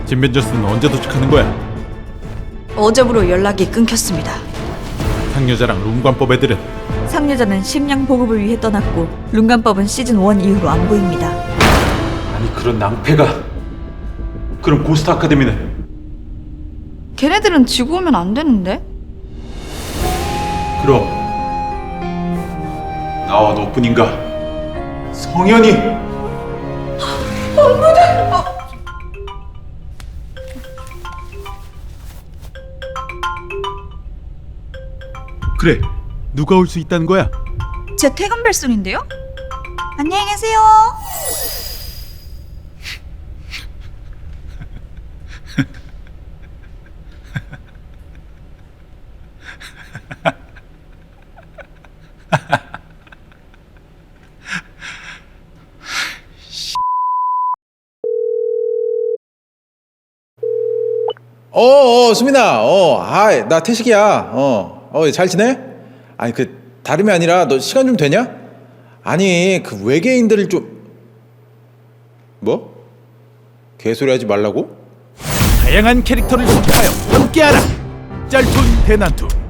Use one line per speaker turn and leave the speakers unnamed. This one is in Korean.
진벤저스는 언제 도착하는 거야?
어제부로 연락이 끊겼습니다.
상여자랑 룸관법 애들은?
상여자는 식량 보급을 위해 떠났고 룬간법은 시즌 1 이후로 안 보입니다.
아니 그런 낭패가. 그럼 고스트 아카데미는?
걔네들은 지구 오면 안 되는데?
그럼 나와 너뿐인가? 성현이! 그래, 누가 올 수 있다는 거야?
제 퇴근 벨소리인데요? 안녕히 계세요.
수민아, 나 태식이야. 잘 지내? 아니, 다름이 아니라 너 시간 좀 되냐? 아니, 외계인들을 좀... 뭐? 개소리 하지 말라고?
다양한 캐릭터를 소개하여 함께하라! 짤툰 대난투